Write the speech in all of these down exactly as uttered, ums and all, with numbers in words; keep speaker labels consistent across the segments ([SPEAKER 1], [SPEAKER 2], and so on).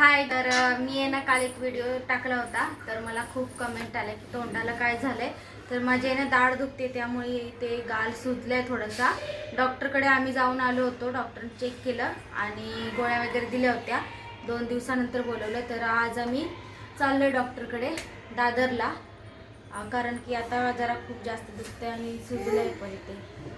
[SPEAKER 1] हाय, तर मी आहे ना काल एक व्हिडिओ टाकला होता, तर मला खूप कमेंट आले की तोंडाला काय झालंय. तर माझे ना दाढ दुखते, त्यामुळे ते गाल सुजलंय थोडासा. डॉक्टरकडे आम्ही जाऊन आलो होतो, डॉक्टरने चेक केलं आणि गोळ्या वगैरे दिल्या होत्या. दोन दिवसानंतर बोलवलं, तर आज आम्ही चाललोय डॉक्टरकडे दादरला, कारण की आता जरा खूप जास्त दुखतंय आणि सुजलंय पण ते.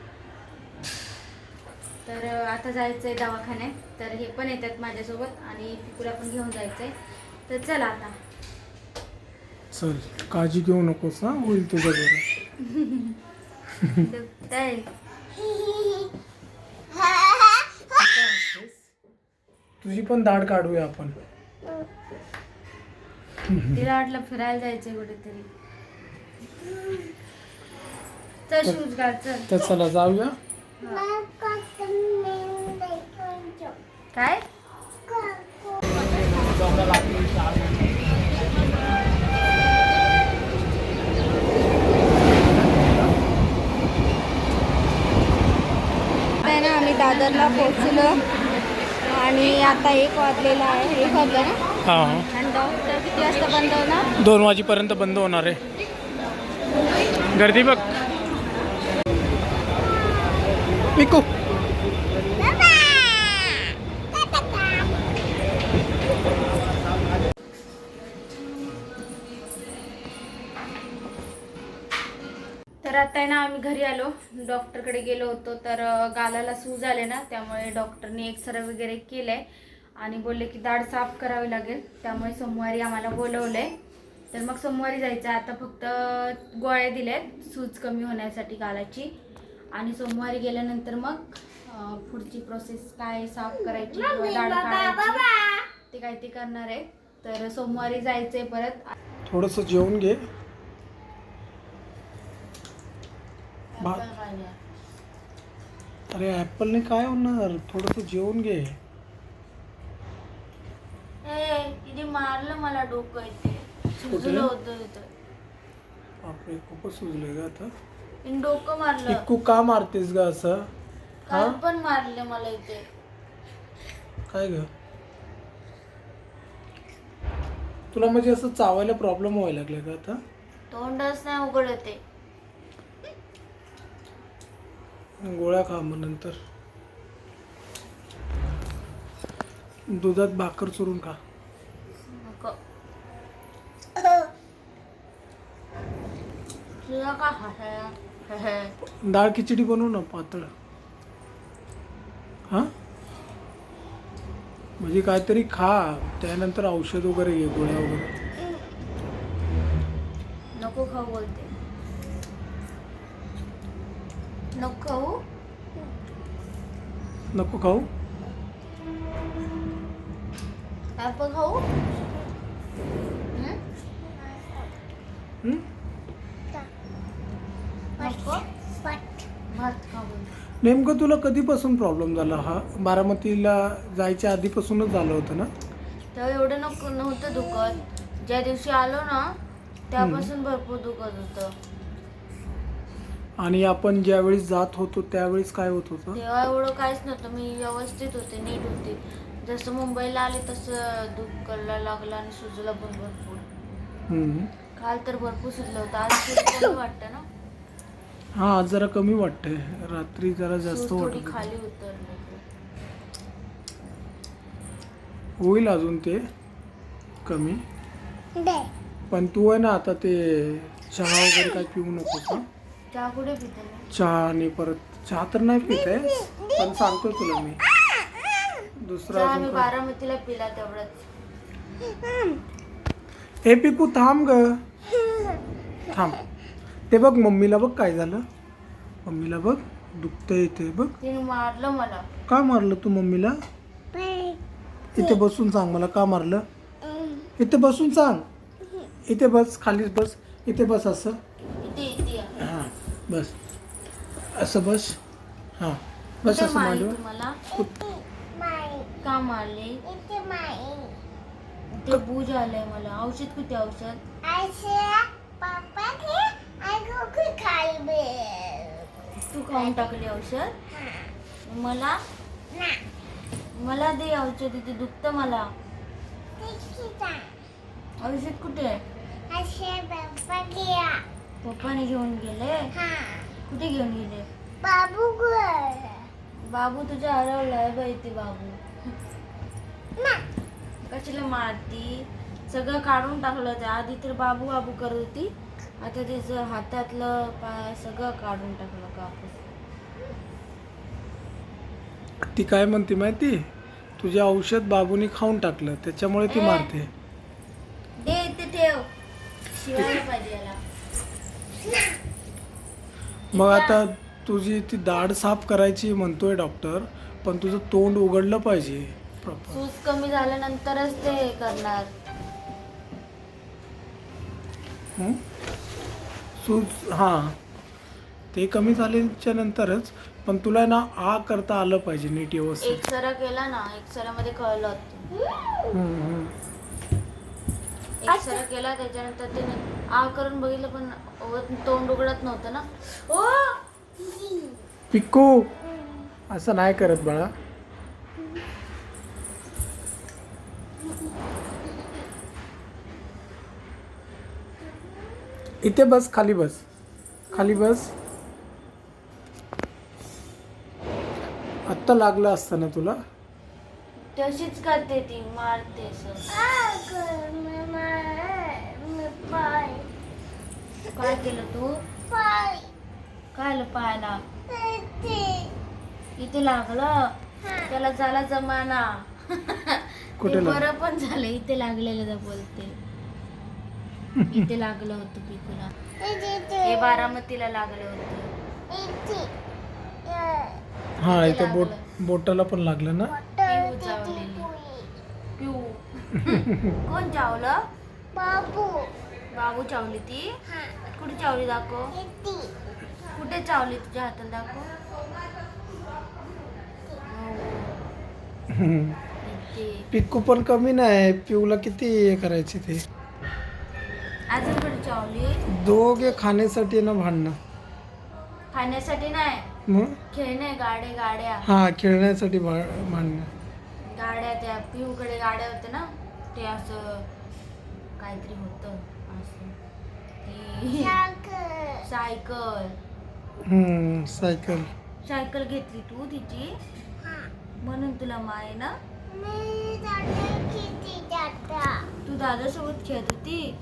[SPEAKER 1] तर आता जायचं आहे दवाखान्यात, तर हे पण येतात माझ्यासोबत आणि पिकूला पण घेऊन जायचं आहे. तर चला आता.
[SPEAKER 2] चल, काळजी घेऊ नकोस, हा होईल तुझं बरं.
[SPEAKER 1] दुखतंय.
[SPEAKER 2] तुझी पण दाढ काढूया आपण.
[SPEAKER 1] तिला वाटलं फिरायला जायचंय कुठेतरी. चल शूज घाल, चल.
[SPEAKER 2] तर चला जाऊया.
[SPEAKER 1] काय आहे ना, आम्ही दादरला पोहोचलो आणि आता एक वाजलेला आहे. एक वाजला ना.
[SPEAKER 2] हा,
[SPEAKER 1] आणि डॉक्टर किती वाजता बंद होणार?
[SPEAKER 2] दोन वाजेपर्यंत बंद होणार आहे. गर्दी बघ. पिकू
[SPEAKER 1] तर आता आहे ना आम्ही घरी आलो. डॉक्टरकडे गेलो होतो, तर गालाला सूज आले ना, त्यामुळे डॉक्टरने एक्सरे वगैरे केलंय आणि बोलले की दाढ साफ करावी लागेल. त्यामुळे सोमवारी आम्हाला बोलवलंय, तर मग सोमवारी जायचं. आता फक्त गोळ्या दिल्यात सूज कमी होण्यासाठी गालाची, आणि सोमवारी गेल्यानंतर मग पुढची प्रोसेस काय, साफ करायची किंवा दाढ काढायची ते काय ते करणार आहे. तर सोमवारी जायचंय परत.
[SPEAKER 2] थोडंसं जेवून घे. अरे ऍपलने काय होणार, थोडंसं जेवून घे.
[SPEAKER 1] तिने मारलं मला, डोकं इथे सुजलं होतं इथं.
[SPEAKER 2] बापरे, खूपच सुजले ग आता.
[SPEAKER 1] तिने डोकं मारलं.
[SPEAKER 2] पिकू का मारतेस ग असं?
[SPEAKER 1] काल पण मारले मला इथे.
[SPEAKER 2] काय ग, तुला म्हणजे असं चावायला प्रॉब्लेम व्हायला लागला का आता?
[SPEAKER 1] तोंडच नाही उघड येते.
[SPEAKER 2] गोळ्या खा मग नंतर. दुधात भाकर चुरून खा.
[SPEAKER 1] नको. तुला का हसायला?
[SPEAKER 2] डाळ खिचडी बनवू ना पातळ. हा, म्हणजे काहीतरी खा, त्यानंतर औषध वगैरे घे, गोळ्या वगैरे.
[SPEAKER 1] नको खाऊ बोलते. नको खाऊ.
[SPEAKER 2] नको खाऊ.
[SPEAKER 1] ऍपल खाऊ.
[SPEAKER 2] हं?
[SPEAKER 1] नको. भात खाऊ.
[SPEAKER 2] नेमकं तुला कधीपासून प्रॉब्लेम झाला हा? बारामतीला जायच्या आधीपासूनच झालं होतं ना?
[SPEAKER 1] तेव्हा एवढं नको नव्हतं दुखत. ज्या दिवशी आलो ना त्यापासून भरपूर दुखत होतं.
[SPEAKER 2] आणि आपण ज्यावेळेस जात होतो त्यावेळेस काय होत होतं?
[SPEAKER 1] तेव्हा एवढं काहीच नव्हतं, मी व्यवस्थित होते, नीट होते. जसं मुंबईला आले तसं दुख करायला लागलं आणि सुजलं पण भरपूर.
[SPEAKER 2] हम्म.
[SPEAKER 1] काल तर भरपूर सुजलं होतं. आज सुजलं वाटतं ना.
[SPEAKER 2] हा, आज जरा कमी वाटतंय, रात्री जरा जास्त
[SPEAKER 1] सूज थोडी
[SPEAKER 2] वाटत
[SPEAKER 1] खाली उतरली.
[SPEAKER 2] होईल अजून ते कमी. पण तू आहे ना आता ते चहा वगैरे काय पिऊ नकोस ना.
[SPEAKER 1] चहा कुठे पिते मी?
[SPEAKER 2] चहा आणि परत चहा तर नाही पित आहे, पण सांगतो तुला मी दुसरा
[SPEAKER 1] चहा
[SPEAKER 2] अजून
[SPEAKER 1] मी
[SPEAKER 2] काय.
[SPEAKER 1] बारामतीला पिला तेवढंच.
[SPEAKER 2] हे पिकू थांब ग, थांब. ते बघ मम्मीला बघ काय झालं. मम्मीला बघ दुखतंय इथे बघ.
[SPEAKER 1] तिने मारलं मला.
[SPEAKER 2] का मारलं तू मम्मीला? इथे बसून सांग मला का मारलं. इथे बसून सांग. इथे बस, खालीच बस. इथे बस, असं.
[SPEAKER 1] इथे इथे या.
[SPEAKER 2] हां बस, असं बस. हां बस,
[SPEAKER 1] कुठे
[SPEAKER 2] असं
[SPEAKER 1] मारली
[SPEAKER 2] माझ्यावर.
[SPEAKER 1] तुम्हाला? का मारले? ते बूज आलंय मला. औषध कुठे? औषध तू खाऊन टाकली औषध? मला मला दे औषध, इथे दुखतं मला. औषध कुठे आहे? पप्पाने घेऊन गेले. कुठे घेऊन गेले?
[SPEAKER 3] बाबू
[SPEAKER 1] बाबू तुझ्या हरवलाय बाई. ते बाबू कशाला मारती? सगळं काढून टाकलं. ते आधी तर बाबू बाबू करत होती, आता तिचं हातातलं पाय सगळं काढून टाकलं कापूस.
[SPEAKER 2] ती काय म्हणते माहिती, तुझे औषध बाबूनी खाऊन टाकलं त्याच्यामुळे ती मारते.
[SPEAKER 1] दे इथे ठेव. शिवायला पाहिजे याला.
[SPEAKER 2] मग आता तुझी ती दाढ साफ करायची म्हणतोय डॉक्टर, पण तुझं तोंड उघडलं पाहिजे प्रॉपर.
[SPEAKER 1] सूज कमी झाल्यानंतरच ते हे करणार.
[SPEAKER 2] हं? सूज हां ते कमी झाल्याच्या नंतरच, पण तुला ना आ करता आलं पाहिजे नीट व्यवस्थित.
[SPEAKER 1] एक्सरा केला ना, एक्सरामध्ये कळलं होतं.
[SPEAKER 2] हं, हं.
[SPEAKER 1] एक्सरा केला त्याच्यानंतर ते आ करून बघितलं, पण व- तोंड उघडत नव्हतं ना. ओ
[SPEAKER 2] पिक्कू असं नाही करत बाळा. इथे बस, खाली बस, खाली बस. आत्ता लागलं असतं ना तुला.
[SPEAKER 1] तशीच करते ती, मारते असं. काय केलं तू? काय आलं पायाला? इथे लागलं. त्याला झाला जमाना.
[SPEAKER 2] कुठे
[SPEAKER 1] ते
[SPEAKER 2] लागलं?
[SPEAKER 1] बरं पण झालं. इथे लागलेलं बोलते. इथे लागलं होतं पिकूला. हे बारामतीला लागलं होतं.
[SPEAKER 2] हा इथे बोट बोटाला पण लागलं ना.
[SPEAKER 1] पिऊ चावलेली. पिऊ कोण चावलं?
[SPEAKER 3] बाबू
[SPEAKER 1] बाबू चावली ती. कुठे चावली दाखव. कुठे चावली तुझ्या हाताला दाखव. इथे.
[SPEAKER 2] पिक्कू पण कमी नाही, पिऊला किती हे करायचे ते.
[SPEAKER 1] अजून कुठे चावली?
[SPEAKER 2] दोघे खाण्यासाठी ना भांडणं.
[SPEAKER 1] खाण्यासाठी नाही,
[SPEAKER 2] मग
[SPEAKER 1] खेळणे. गाड्या गाड्या
[SPEAKER 2] हा खेळण्यासाठी भा- भांडणं.
[SPEAKER 1] गाड्या त्या पिऊकडे गाड्या होत्या ना, ते असं काहीतरी होतं असं. ती सायकल
[SPEAKER 2] हम्म सायकल.
[SPEAKER 1] सायकल घेतली तू तिची, म्हणून तुला माय ना. तू दादासोबत खेळत होती.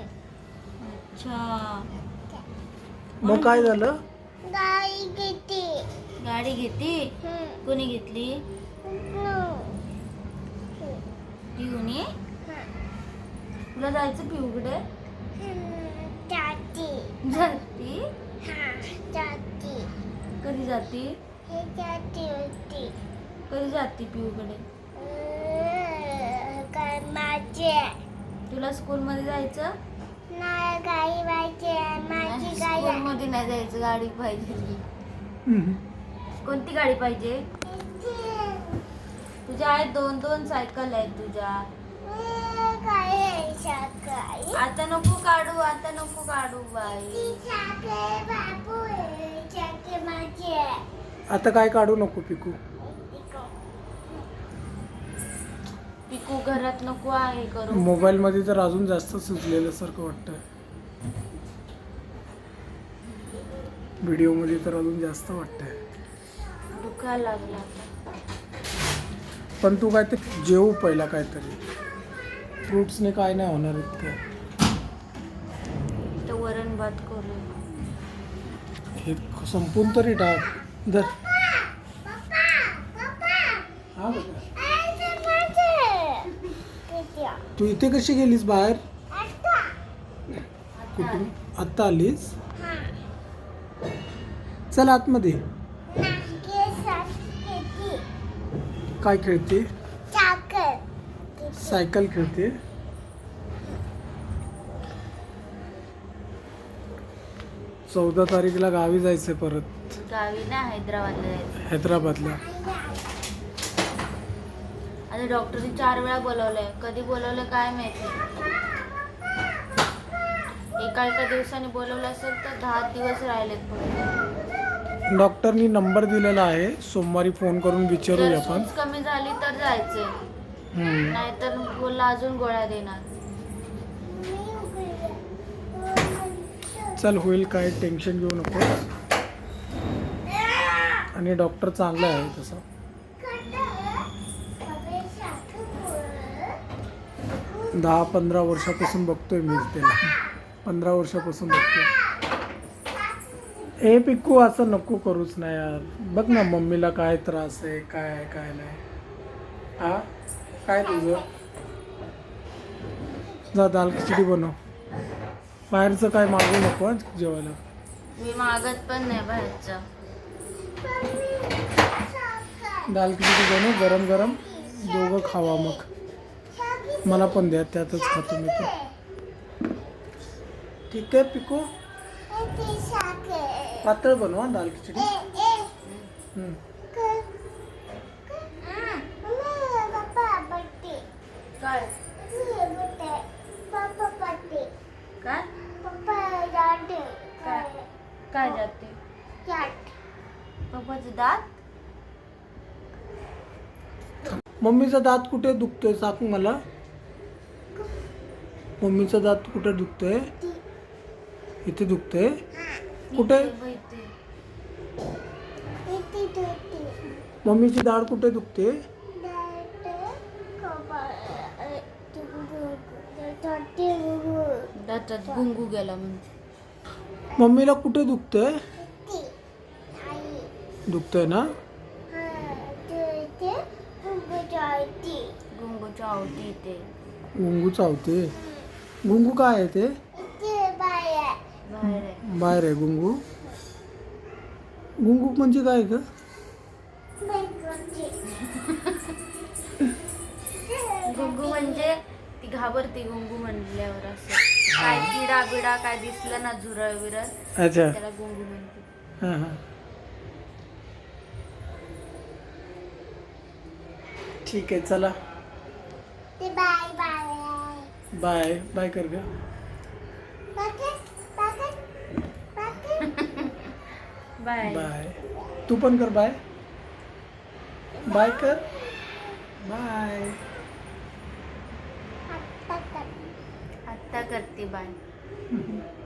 [SPEAKER 1] अच्छा.
[SPEAKER 2] मग काय झालं?
[SPEAKER 3] गाई किती
[SPEAKER 1] गाडी घेतली. कोणी घेतली? पिऊने. तुला जायचं पिऊकडे?
[SPEAKER 3] जाती
[SPEAKER 1] जाती.
[SPEAKER 3] हा जाती
[SPEAKER 1] कधी जाती?
[SPEAKER 3] हे जाती होती
[SPEAKER 1] कधी जाती पिऊकडे?
[SPEAKER 3] काय माझे
[SPEAKER 1] तुला स्कूलमध्ये जायचं?
[SPEAKER 3] नाही गाई पाहिजे माझी गाई
[SPEAKER 1] स्कूल मध्ये नाही जायचं, गाडी पाहिजे.
[SPEAKER 2] हम्म.
[SPEAKER 1] कोणती गाडी पाहिजे? तुझ्या आहेत दोन दोन सायकल आहेत तुझ्या.
[SPEAKER 3] काय साखर
[SPEAKER 1] आता नको काढू, आता नको काढू बाई.
[SPEAKER 3] साखर बाबू साखर माझे
[SPEAKER 2] आता काय काढू नको पिकू.
[SPEAKER 1] पिकू घरात नको आहे करू.
[SPEAKER 2] मोबाईल मध्ये तर अजून जास्त सुचलेलं सारखं वाटतं. व्हिडिओ मध्ये तर अजून जास्त वाटतंय.
[SPEAKER 1] दुखायला लागला.
[SPEAKER 2] पण तू काय ते जेवू पहिला काहीतरी. फ्रुट्सने काय नाही होणार इतकं.
[SPEAKER 1] तर वरण भात करू.
[SPEAKER 2] हे संपून तरी टाक. धर. हा बेटा. तू इथे कशी गेलीस बाहेर? कुठून आत्ता आलीस? चल आतमध्ये. काय खेळते? सायकल खेळते. चौदा तारीखला गावी जायचंय परत.
[SPEAKER 1] गावी ना हैदराबादला जायचं.
[SPEAKER 2] हैदराबादला.
[SPEAKER 1] आता डॉक्टरने चार वेळा बोलवलंय. कधी बोलवलं काय माहिती. एका एका दिवसाने बोलवलं असेल तर दहा दिवस राहिलेत फक्त.
[SPEAKER 2] डॉक्टरनी नंबर दिलेला आहे, सोमवारी फोन करून विचारूया
[SPEAKER 1] जर
[SPEAKER 2] आपण.
[SPEAKER 1] सूज कमी झाली तर जायचंय.
[SPEAKER 2] हम्म.
[SPEAKER 1] नाहीतर बोलला अजून गोळ्या देणार.
[SPEAKER 2] चल होईल, काय टेन्शन घेऊ नको. आणि डॉक्टर चांगला आहे तसं. दहा पंधरा वर्षापासून बघतोय मी त्याला. पंधरा वर्षापासून बघतोय. ए पिक्कू असं नको करूच ना यार. बघ ना मम्मीला काय त्रास आहे, काय आहे काय नाही. हा काय तुझं? जा दाल खिचडी बनव. बाहेरचं काय मागू नको हं जेवायला.
[SPEAKER 1] मी मागत पण नाही बाहेरचं.
[SPEAKER 2] दाल खिचडी बनव गरम गरम, दोघं खावा. मग मला पण द्या, त्यातच खातो मी पण. ठीक आहे पिकू, पातळ बनवा दाल खिचडी. हम्म.
[SPEAKER 1] काय काय काय जाते पप्पाचं दात.
[SPEAKER 2] मम्मीचा दात कुठे दुखतोय सांग मला. मम्मीचा दात कुठे दुखतोय? इथे दुखतोय. कुठे? मम्मीची दाढ कुठे दुखते?
[SPEAKER 1] दातात गुंगू गेला म्हणून.
[SPEAKER 2] मम्मीला कुठे दुखतंय? दुखतंय ना.
[SPEAKER 1] गुंगू चावती इथे.
[SPEAKER 2] गुंगू चावते. गुंगू काय आहे ते?
[SPEAKER 1] बाहेर आहे.
[SPEAKER 2] बाहेर आहे गुंगू. गुंगू म्हणजे काय ग?
[SPEAKER 1] गुंगू म्हणजे ती घाबरते गुंगू म्हणल्यावर. असं काय किडा बिडा काय दिसलं ना, झुरळ बिरळ,
[SPEAKER 2] अच्छा.
[SPEAKER 1] त्याला गुंगू म्हणते.
[SPEAKER 2] हां हां ठीक आहे चला.
[SPEAKER 3] बाय बाय
[SPEAKER 2] बाय बाय कर ग.
[SPEAKER 1] बाय.
[SPEAKER 2] बाय. तू पण कर बाय. बाय कर. बाय.
[SPEAKER 1] आत्ता करते बाय.